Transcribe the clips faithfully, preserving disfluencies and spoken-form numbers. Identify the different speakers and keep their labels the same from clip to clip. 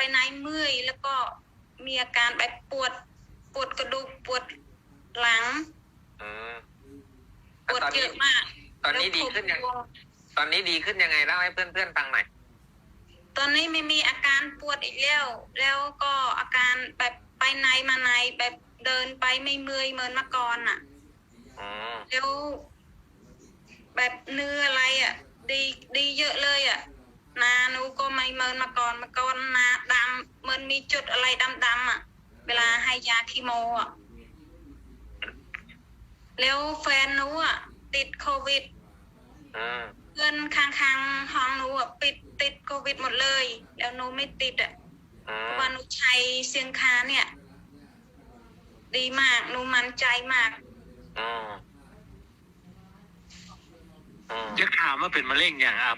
Speaker 1: ไหนเมื่อยแล้วก็มีอาการแบบปวดปวดกระดูกปวดหลัง
Speaker 2: อืม
Speaker 1: ปวดเยอะมาก
Speaker 2: ตอนนี้ดีขึ้นยังตอนนี้ดีขึ้นยังไงเล่าให้เพื่อนๆฟังหน่อย
Speaker 1: ตอนนี้ไม่มีอาการปวดอีกแล้วแล้วก็อาการแบบไปไหนมาไหนแบบเดินไปไม่เมื่อยเหมือนเมื่อก่อนอ่ะแล้วแบบเนื้ออะไรอ่ะดีดีเยอะเลยอ่ะนาหนูก็ไม่เหมือนเมื่อก่อนเมื่อก่อนนาดำเหมือนมีจุดอะไรดำๆอ่ะเวลาให้ยาคีโมอ่ะแล้วแฟนหนูอ่ะติดโควิดเพื่อนข้างๆห้องหนูอ่ะปิดติดโควิดหมดเลยแล้วหนูไม่ติดอ่ะเพราะว่าหนูใช้เสียงคาเนี่ยดีมากหนูมั่นใจมาก
Speaker 3: จะถามว่าเป็นมะเร็งอย่างครับ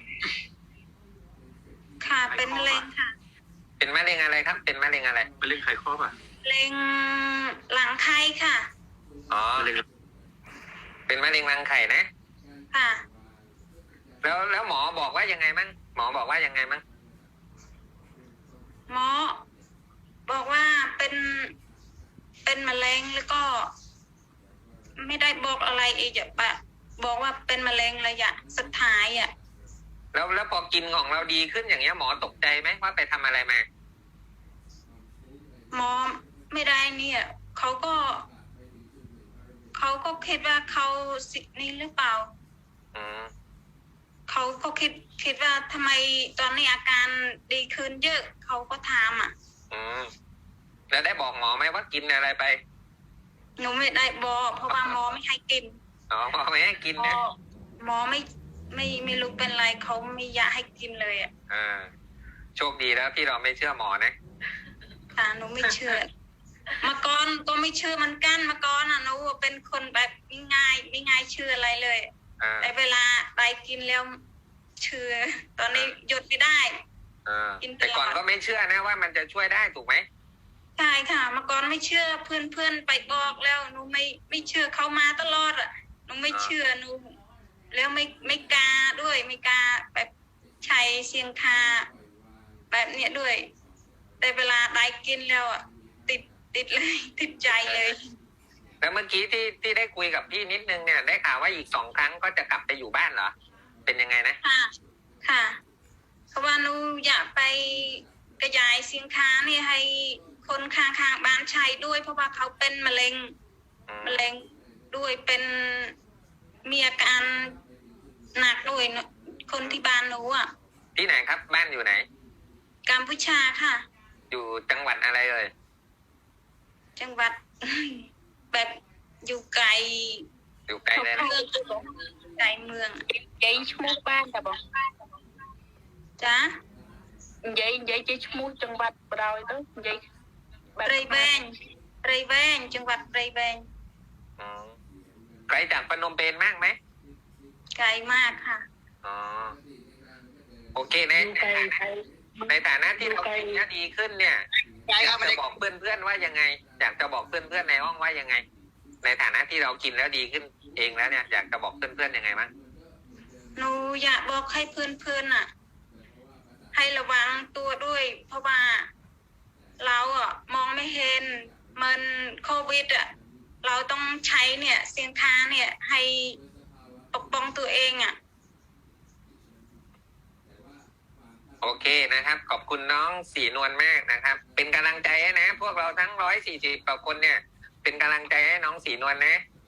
Speaker 1: ค่ะเป็นมะเร็งค่ะ
Speaker 2: เป็นมะเร็งอะไรครับเป็นมะเร็งอะไร
Speaker 3: มะเร็งไขข้อป่ะ
Speaker 1: มะเร็งหลังไข่ค่ะ
Speaker 2: อ๋อเป็นมะเร็งรังไข่นะ
Speaker 1: ค่ะ
Speaker 2: แล้วแล้วหมอบอกว่ายังไงมั้งหมอบอกว่ายังไงมั้ง
Speaker 1: หมอบอกว่าเป็นเป็นมะเร็งแล้วก็ไม่ได้บอกอะไรอีกอะปะบอกว่าเป็นมะเร็งระยะสุดท้ายอ่ะ
Speaker 2: แล้วแล้วพอกินของเราดีขึ้นอย่างเงี้ยหมอตกใจไหมว่าไปทำอะไรมา
Speaker 1: หมอไม่ได้เนี่ยเขาก็เขาก็คิดว่าเขาสินี่หรือเปล่าเขาก็คิดคิดว่าทำไมตอนนี้อาการดีขึ้นเยอะเขาก็ถามอ่ะ
Speaker 2: อืมแล้วได้บอกหมอไหมว่ากินอะไรไป
Speaker 1: หนูไม่ได้บอกเพราะว่าหมอไม่ให้กิน
Speaker 2: อ๋อหมอไม่ให้กินนะ
Speaker 1: หมอไม่ไม่ไม่รู้เป็นไรเขาไม่อยากให้กินเลยอ่ะ
Speaker 2: อ่าโชคดีแล้วที่เราไม่เชื่อหมอนะ
Speaker 1: ค่ะหนูไม่เชื่อมาก่อนก็ไม่เชื่อมันกันมาก่อนอ่ะหนูเป็นคนแบบไม่ง่ายไม่ง่ายเชื่ออะไรเลยแต่เวลาไปกินแล้วเชื่อตอนนี้หยุดไม่ได้
Speaker 2: กินแต่ก่อนก็ไม่เชื่อนะว่ามันจะช่วยได้ถูกไหม
Speaker 1: ใช่ค่ะมาก่อนไม่เชื่อเพื่อนเพื่อนไปบอกแล้วหนูไม่ไม่เชื่อเขามาตลอดอ่ะหนูไม่เชื่อหนูแล้วไม่ไม่กล้าด้วยไม่กล้าแบบใช้เสียงคาแบบเนี้ยด้วยแต่เวลาได้กินแล้วอ่ะติดติดเลยติดใจเลย
Speaker 2: แล้วเมื่อกี้ที่ที่ได้คุยกับพี่นิดนึงเนี่ยได้ข่าวว่าอีกสองครั้งก็จะกลับไปอยู่บ้านเหรอเป็นยังไงนะ
Speaker 1: ค่ะค่ะเพราะว่าหนูอยากไปกระจายสินค้านี่ให้คนข้างๆบ้านใช้ด้วยเพราะว่าเขาเป็นมะเร็งมะเร็งด้วยเป็นมีอาการหนักด้วยคนที่บ้านหนูอ่ะ
Speaker 2: ที่ไหนครับบ้านอยู่ไหน
Speaker 1: กัมพูชาค่ะ
Speaker 2: อยู่จังหวัดอะไรเลย
Speaker 1: จังหวัดแบบอยู่ไกล
Speaker 2: อยู่ไกลเลยนะ
Speaker 1: ไกลเมือง
Speaker 4: ยัยชมูบ้านแต่บอก
Speaker 1: จ้า
Speaker 4: ยัยยัยจะชมูจังหวัดเราเนาะยัย
Speaker 1: ไรแวงไรแวงจังหวัดไรแวง
Speaker 2: ไกลจากพนมเปญมากไหม
Speaker 1: ไกลมากค่ะ
Speaker 2: อ๋อโอเคนะในฐานะที่เรากินยาดีขึ้นเนี่ยอยากจะบอกเพื่อนๆว่ายังไงอยากจะบอกเพื่อนๆในห้องว่ายังไงในฐานะที่เรากินแล้วดีขึ้นเองแล้วเนี่ยอยากจะบอกเพื่อนๆยังไงมั้ง
Speaker 1: หนูอยากบอกให้เพื่อนๆน่ะให้ระวังตัวด้วยเพราะว่าเราอ่ะมองไม่เห็นมันโควิดอ่ะเราต้องใช้เนี่ยเสียงคาเนี่ยให้ปกป้องตัวเองอ่ะ
Speaker 2: โอเคนะครับขอบคุณน้องสีนวลมากนะครับเป็นกำลังใจให้นะพวกเราทั้งร้อยสี่สิบกว่าคนเนี่ยเป็นกำลังใจให้น้องสีนวลนะ